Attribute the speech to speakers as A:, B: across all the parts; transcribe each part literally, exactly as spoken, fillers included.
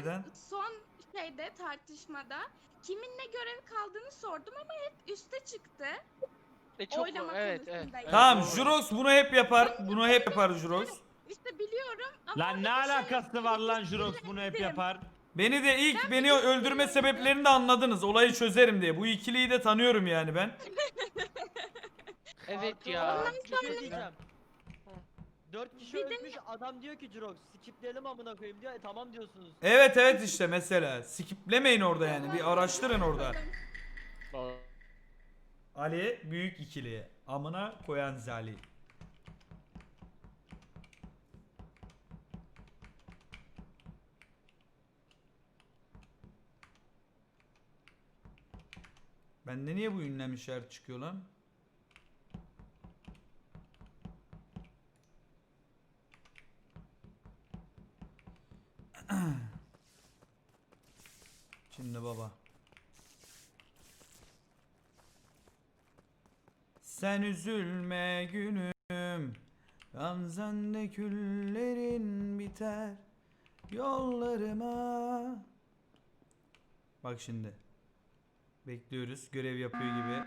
A: neden?
B: Son şeyde tartışmada kimin ne görev kaldığını sordum ama hep üste çıktı.
C: E çok
B: Oylama
C: evet, evet,
B: konusunda
C: evet.
A: Tamam,
C: doğru.
A: Jurox bunu hep yapar. Bunu hep yapar Jurox.
B: İşte biliyorum ama
D: Lan ne
B: orada bir şey
D: alakası var lan Jurox bunu hep
B: sinirlendim.
D: yapar.
A: Beni de ilk
B: Ben
A: beni
B: bir
A: öldürme
B: sinirlendim.
A: sebeplerini de anladınız. Olayı çözerim diye. Bu ikiliyi de tanıyorum yani ben.
C: Evet ya.
E: Arkadaşlar, bir
C: Çok
E: şey
C: kötü.
E: diyeceğim. Dört kişi
B: Bir de-
E: ölmüş, adam diyor ki Jurox skipleyelim amına koyayım diyor. E, tamam diyorsunuz.
A: Evet evet işte mesela. Skiplemeyin orada yani. Bir araştırın orada. Ali büyük ikili. Amına koyan Zali. Bende niye bu ünlem işareti çıkıyor lan? Şimdi baba. Sen üzülme günüm, gamzende küllerin biter yollarıma. Bak şimdi. Bekliyoruz. Görev yapıyor gibi.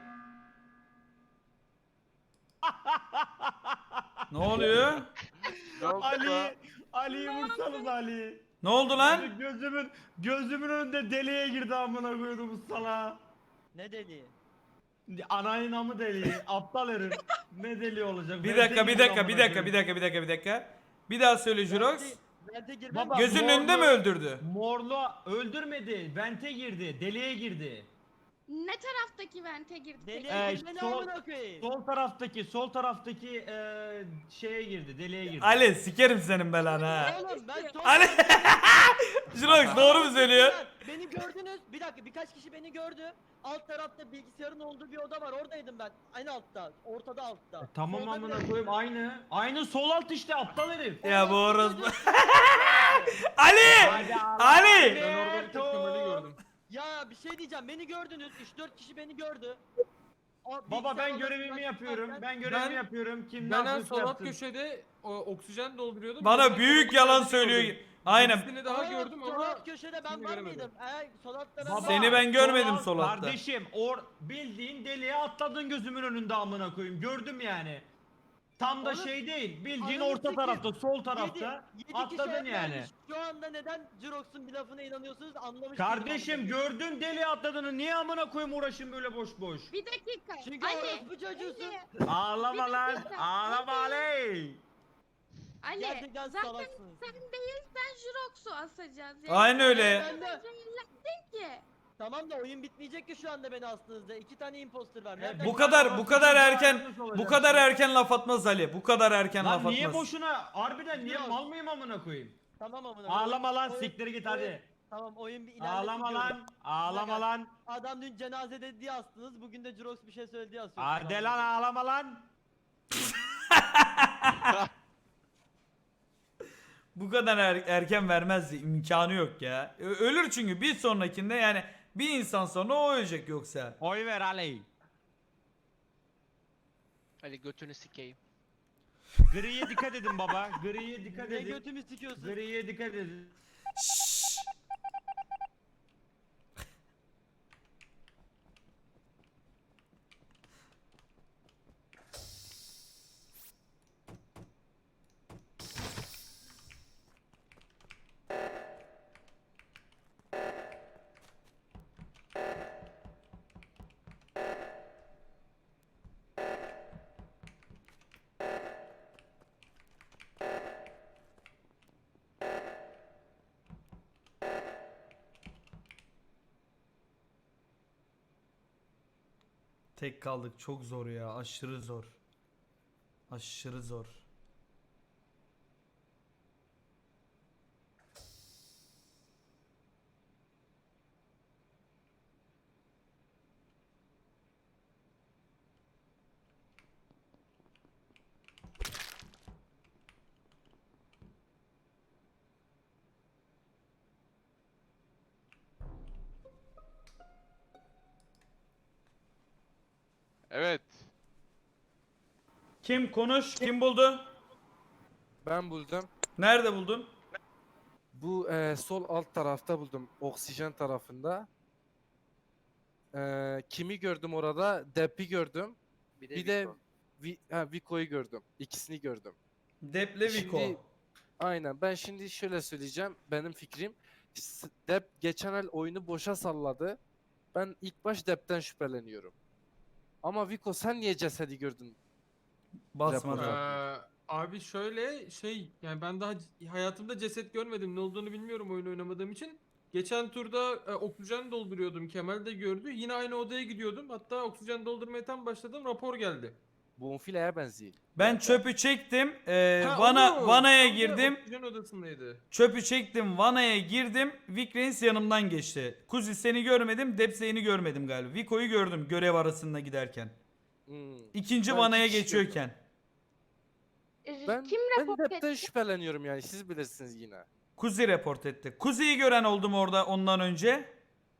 A: Ne oluyor?
D: Ali, Ali'yi vursanız Ali.
A: Ne oldu lan?
D: Lan? Gözümün gözümün önünde deliğe girdi amına koydum bu sala.
E: Ne deliği?
D: Anayın amı deliği, aptal herif. Ne deliği olacak?
A: Bir
D: Vente
A: dakika, bir
D: girdi
A: dakika,
D: amına
A: bir dakika,
D: koyayım.
A: bir dakika, bir dakika, bir dakika. Bir daha söyle Jurox.
E: Vente- Vente girmem.
D: Baba,
A: Gözünün önünde mi
D: morlu-
A: öldürdü?
D: Morlu öldürmedi, vente girdi, deliğe girdi.
B: Ne taraftaki vente girdi?
E: Deliğe
D: Ee,
E: girmeni
D: sol-
E: amına koyayım.
D: Sol taraftaki, sol taraftaki eee şeye girdi, deliğe girdi.
A: Ali sikerim senin belanı ha.
E: Oğlum ben son...
A: Ali Jurox doğru mu söylüyor?
E: Beni gördünüz. Bir dakika birkaç kişi beni gördü. Alt tarafta bilgisayarın olduğu bir oda var. Oradaydım ben. Aynı altta. Ortada altta.
D: E, tamam
E: Solda
D: amına
E: bile-
D: koyayım aynı. Aynı sol alt işte aptal herif.
A: Ya bu orospu.
E: Çocuğu-
A: Ali!
D: Hadi Allah.
A: Ali!
F: Ben orada bir tek Kemal'i gördüm.
E: Ya bir şey diyeceğim. Beni gördünüz. üç dört kişi beni gördü. O
D: Baba
E: bilgisayar
D: ben
E: odasından
D: görevimi yapıyorum.
E: çıkarken-
D: Ben görevimi
F: Ben-
D: yapıyorum. Kim ne
F: Ben en
D: yapıyorsa
F: sol alt
D: yapsın.
F: köşede o, oksijen dolduruyordum.
A: Bana
F: Yanına
A: büyük
F: Kemal'i
A: yalan
F: gördüm.
A: söylüyor. Aynen.
F: Birisini daha
E: Aa,
F: gördüm
E: sol
F: ama
E: alt köşede ben
F: ismini
E: var
F: göremedim.
E: mıydım? Eğer sol altta ben
D: Baba,
A: Seni ben görmedim
D: sol alt-
A: sol altta.
D: Kardeşim or bildiğin deliğe atladın gözümün önünde amına koyayım. Gördüm yani. Tam da
E: Onu-
D: şey değil. Bildiğin
E: Ananı
D: orta
E: sikeyim.
D: tarafta, sol tarafta
E: Yedi- yedi kişi
D: atladın
E: el
D: yani.
E: vermiş. Şu anda neden Jirox'un bir lafına inanıyorsunuz anlamış
D: Kardeşim
E: değilim.
D: gördün deliğe atladığını niye amına koyayım uğraşın böyle boş boş.
B: Bir dakika.
E: Çünkü
B: Ali,
E: orospu çocuğusun.
B: Ali,
D: Ağlama
B: Bir
D: lan.
B: dakika.
D: Ağlama Ali.
B: Ali.
E: Gerçekten
B: Zaten
E: salaksınız.
B: sen değilsen Jurox'u asacağız. Yani
A: Aynen öyle.
E: Ben de-
B: zehirlendin ki.
E: Tamam da oyun bitmeyecek ki şu anda beni astığınızda. İki tane imposter var.
D: E,
E: Nereden
A: Bu kadar bu kadar erken
D: Nasıl olacak
A: bu kadar
D: şimdi?
A: erken laf atmaz Ali. Bu kadar erken laf
D: Lan niye
A: atmaz.
D: boşuna harbiden niye
E: Biraz.
D: mal mıyım amına koyayım?
E: Tamam amına.
D: Ağlama lan
E: Oyun-
D: siktir git
E: oyun-
D: hadi.
E: Tamam oyun bir ilerlesin
D: Ağlama
E: diyorum.
D: lan. Ağlama
E: Bak,
D: lan.
E: Adam dün cenazede diye astınız. Bugün de Jirox bir şey söyledi diye asıyorsunuz.
D: Arde lan ağlama lan.
A: Bu kadar er- erken vermezdi. İmkanı yok ya. Ö- Ölür çünkü bir sonrakinde yani bir insan sonra o ölecek yoksa.
D: Oy ver Ali.
C: Hadi götünü sikeyim.
D: Griye dikkat edin baba. Griye dikkat
E: Ne
D: edin.
E: götümü sikiyorsun?
D: Griye dikkat edin.
A: Tek kaldık. Çok zor ya. Aşırı zor. Aşırı zor.
G: Evet.
A: Kim konuş? Kim buldu?
F: ben buldum.
A: Nerede buldun?
G: Bu e, sol alt tarafta buldum. Oksijen tarafında. E, kimi gördüm orada? Dep'i gördüm.
H: Bir de,
G: Bir de
H: Vico.
G: Vi, ha, Vico'yu gördüm. İkisini gördüm.
A: Deple Vico.
G: Şimdi- Aynen. Ben şimdi şöyle söyleyeceğim. Benim fikrim. S- Dep geçen el oyunu boşa salladı. Ben ilk baş Dep'ten şüpheleniyorum. Ama Vico sen niye cesedi gördün?
A: Basmadı.
G: Rapor.
F: Ee, abi şöyle şey yani ben daha c- hayatımda ceset görmedim. Ne olduğunu bilmiyorum oyun oynamadığım için. Geçen turda e, oksijen dolduruyordum. Kemal de gördü. Yine aynı odaya gidiyordum. Hatta oksijen doldurmaya tam başladım. Rapor geldi.
G: Bonfile'ye benziyor.
A: Ben çöpü çektim. Ee,
F: Ha,
A: vana
F: o mu?
A: vanaya
F: Tam da
A: girdim.
F: Oksijen odasındaydı.
A: Çöpü çektim. Vanaya girdim. Vikrens yanımdan geçti. Kuzi seni görmedim. Depseyini görmedim galiba. Vico'yu gördüm görev arasında giderken.
G: Hmm.
A: İkinci
G: Ben
A: vanaya
G: iki kişi
A: geçiyorken.
B: Ee,
G: Ben,
B: Kim
G: ben
B: rapor
G: Dep'ten
B: etti?
G: şüpheleniyorum yani. Siz bilirsiniz yine.
A: Kuzi report etti. Kuzi'yi gören oldu mu orada ondan önce?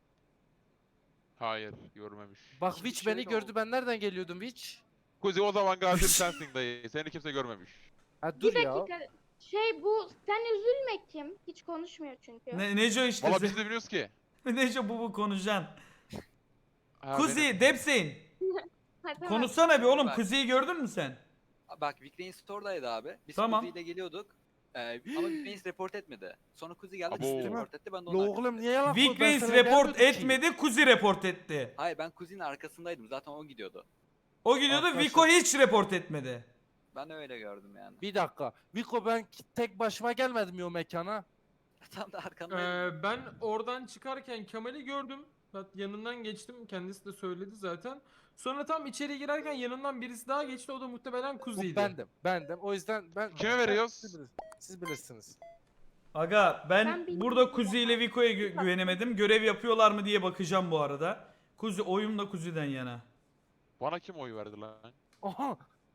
I: Hayır, görmemiş.
G: Bak
H: Şimdi
G: Witch beni
H: şöyle
G: gördü.
H: oldu.
G: Ben nereden geliyordum Witch?
I: Kuzi o zaman gazetim sensin dayı. Seni kimse görmemiş.
G: Ha
B: Bir
G: dur ya.
B: dakika. Şey bu sen üzülme kim? Hiç konuşmuyor çünkü.
A: Ne, Neco işte.
I: Valla biz de biliyoruz ki.
A: Neco bu bu konuşacaksın.
I: Ha,
A: Kuzi,
I: benim.
A: Depseyin.
B: Ha, tamam.
A: Konuşsana bir oğlum.
H: Bak.
A: Kuzi'yi gördün mü sen?
H: Bak Vikrens store'daydı abi. Biz
A: Tamam.
H: Kuzi ile geliyorduk. Ee, ama Vikrens report etmedi. Sonra Kuzi geldi
I: Abo.
H: Kuzi report etti. Ben de
G: La
H: onun
G: oğlum
H: arkasındaydım.
G: niye yalan konuşuyorsun? Ben
A: Vikrens
G: sana
A: report
G: gelmedim ki.
A: etmedi. Kuzi report etti.
H: Hayır ben Kuzi'nin arkasındaydım. Zaten o gidiyordu.
A: O gidiyordu.
G: Arkadaşlar-
A: Vico hiç report etmedi.
H: Ben öyle gördüm yani.
G: Bir dakika. Vico ben ki- tek başıma gelmedim ya o mekana.
H: Tam da arkandaydım.
F: Ee, ben oradan çıkarken Kemal'i gördüm. Ben yanından geçtim. Kendisi de söyledi zaten. Sonra tam içeri girerken yanından birisi daha geçti. O da muhtemelen
G: Bu
F: Kuzi'ydi.
G: bendim. Bendim. O yüzden ben...
I: Kime veriyoruz?
G: Siz, bilir- siz bilirsiniz.
A: Aga ben,
B: Ben bilmiyorum.
A: burada Kuzi ile Vico'ya gü- güvenemedim. Görev yapıyorlar mı diye bakacağım bu arada. Kuzi oyum da Kuzi'den yana.
I: Bana kim oy verdi lan?
G: Aha!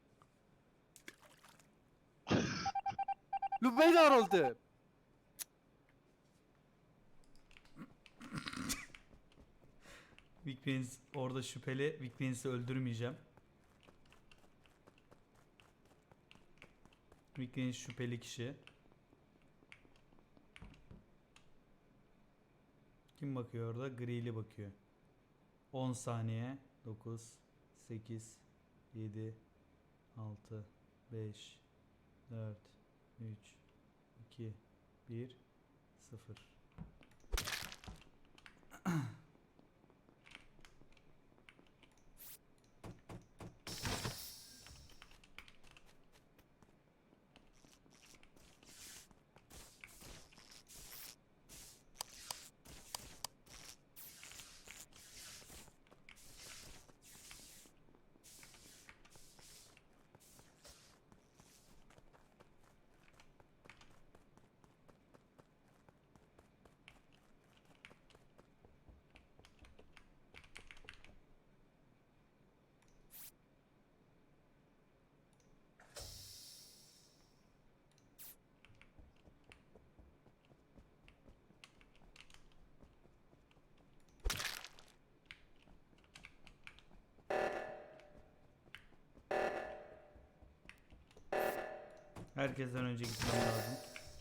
G: Lübeyler oldu.
A: Vikrens orada şüpheli. Vikrens'i öldürmeyeceğim. Vikrens şüpheli kişi. Kim bakıyor orada? Grili bakıyor. on saniye. dokuz, sekiz, yedi, altı, beş, dört, üç, iki, bir, sıfır. Herkesten önce gitmem lazım.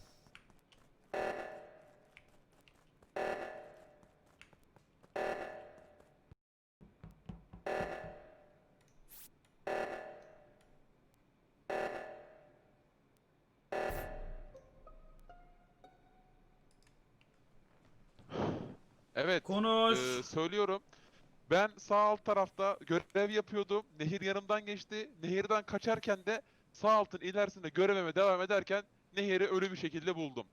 I: Evet.
A: Konuş.
I: e, söylüyorum. Ben sağ alt tarafta görev yapıyordum. Nehir yanımdan geçti. Nehirden kaçarken de sağ altın ilerisinde görevime devam ederken Nehir'i ölü bir şekilde buldum.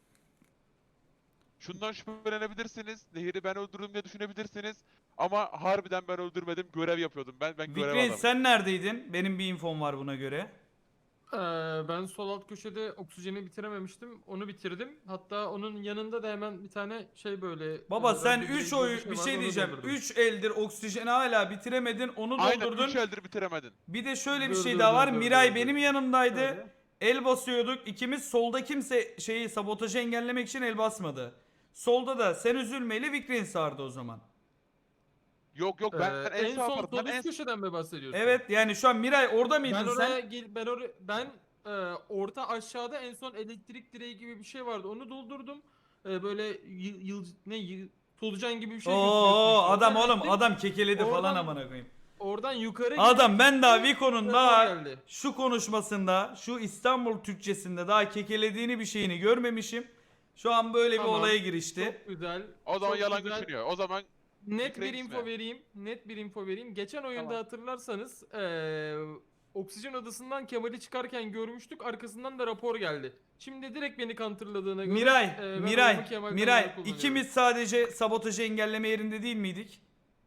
I: Şundan şüphelenebilirsiniz. Nehir'i ben öldürdüm diye düşünebilirsiniz. Ama harbiden ben öldürmedim. Görev yapıyordum. Ben ben görev
A: Vikrens
I: adamıyım.
A: sen neredeydin? Benim bir infom var buna göre.
F: Ee, ben sol alt köşede oksijeni bitirememiştim. Onu bitirdim. Hatta onun yanında da hemen bir tane şey böyle...
A: Baba
F: e,
A: sen
F: radyo
A: üç
F: direği gibi
A: oy bir
F: vardı,
A: şey
F: onu
A: diyeceğim.
F: doldurdum.
A: üç eldir oksijeni hala bitiremedin. Onu
I: Aynen
A: doldurdun.
I: üç eldir bitiremedin.
A: Bir de şöyle bir
F: Dur,
A: şey
F: dur,
A: daha
F: dur,
A: var.
F: dur,
A: Miray
F: dur, dur.
A: benim yanımdaydı.
F: Şöyle.
A: El basıyorduk. İkimiz solda kimse şeyi sabotajı engellemek için el basmadı. Solda da sen üzülmeyle Vikrens vardı o zaman.
I: Yok yok ben
F: Ee,
I: en,
F: en
I: sağ
F: sol
I: taraftan
F: sol
I: en
F: üst köşeden mi bahsediyorsun?
A: Evet yani şu an Miray orada mıydın
F: Ben
A: sen?
F: oraya gel ben oraya ben Ee, orta aşağıda en son elektrik direği gibi bir şey vardı. Onu doldurdum. Ee, böyle yıl, yıl ne yıl, solucan gibi bir şey. gözüküyorsun
A: Oo
F: işte.
A: adam
F: Oradan
A: oğlum
F: ettim,
A: adam kekeledi falan
F: Oradan-
A: amına koyayım.
F: Oradan yukarı
A: Adam ben daha
F: gittim,
A: Vico'nun
F: rapor
A: daha
F: geldi.
A: şu konuşmasında, şu İstanbul Türkçesinde daha kekelediğini bir şeyini görmemişim. Şu an böyle bir
F: Tamam,
A: olaya girişti.
F: Çok güzel.
I: O zaman
F: çok
I: yalan
F: güzel.
I: düşünüyor. O zaman
F: Net bir
I: Fikre
F: info
I: gitme.
F: vereyim. Net bir info vereyim. Geçen oyunda
E: Tamam.
F: hatırlarsanız eee oksijen odasından Kemal'i çıkarken görmüştük. Arkasından da rapor geldi. Şimdi direkt beni counterladığına göre
A: Miray,
F: eee, ben oyumu
A: Miray,
F: Kemal'den
A: Miray
F: yana kullanıyorum.
A: ikimiz sadece sabotajı engelleme yerinde değil miydik?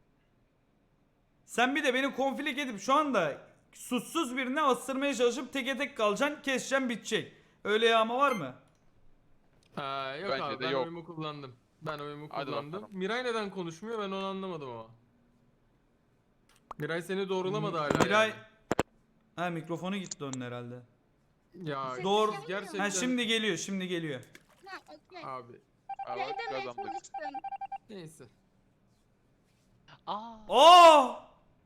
A: Sen bir de beni konflik edip şu anda suçsuz birine astırmaya çalışıp teke tek kalacaksın, keseceksin, bitecek. Öyle yağma var mı?
F: Ha, yok
I: Bence
F: abi
I: de
F: ben
I: yok.
F: oyumu kullandım. Ben oyumu
I: Hadi
F: kullandım.
I: bakalım.
F: Miray neden konuşmuyor ben onu anlamadım ama. Miray seni doğrulamadı hala.
A: Miray...
F: yani.
A: Ha mikrofonu gitti onun herhalde.
F: Ya
A: Doğru.
F: siz gerçekten
A: Ha şimdi geliyor, şimdi geliyor.
B: Ha okey.
F: abi.
I: Abi
B: Ne demeye
I: kazandık.
B: çalıştın?
F: Neyse.
C: Aa.
A: Oo!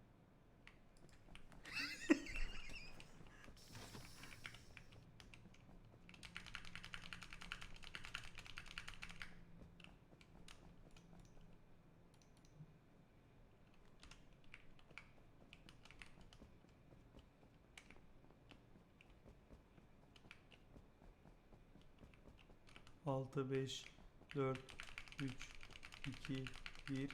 A: altı, beş, dört, üç, iki, bir.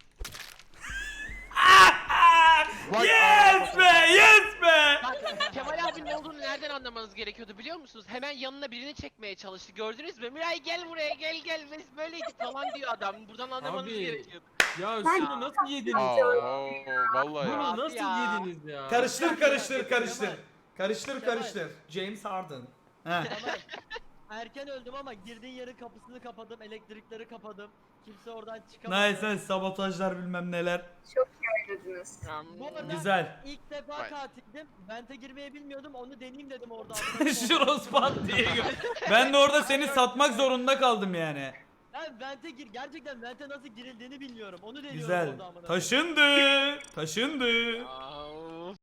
I: Vay
A: Yes be! Yes be!
C: Bak Kemal abinin ne olduğunu nereden anlamanız gerekiyordu biliyor musunuz? Hemen yanına birini çekmeye çalıştı. Gördünüz mü? Miray gel buraya gel gel. Biz böyleydik falan diyor adam. Buradan anlamanız
F: Abi,
C: gerekiyordu.
F: Ya şunu nasıl yediniz?
I: Aa, oo, vallahi ya.
F: Bunu nasıl
C: ya.
F: yediniz ya?
A: Karıştır karıştır
E: Kemal.
A: karıştır. Karıştır
E: Kemal.
A: karıştır. James Harden. He.
E: Kemal, erken öldüm ama girdiğin yerin kapısını kapadım, elektrikleri kapadım. Kimse oradan çıkamadı.
A: Nice nice sabotajlar bilmem neler.
E: Bu arada
A: Güzel.
E: ilk defa
I: Vay.
E: katildim. Vente girmeyi bilmiyordum. Onu deneyeyim dedim orada.
A: Şuros pat diye gör- Ben de orada seni satmak zorunda kaldım yani.
E: Ben vente gir. Gerçekten vente nasıl girildiğini bilmiyorum. Onu deniyorum
A: Güzel.
E: orada amına.
A: Taşındı. Taşındı.
C: Aa,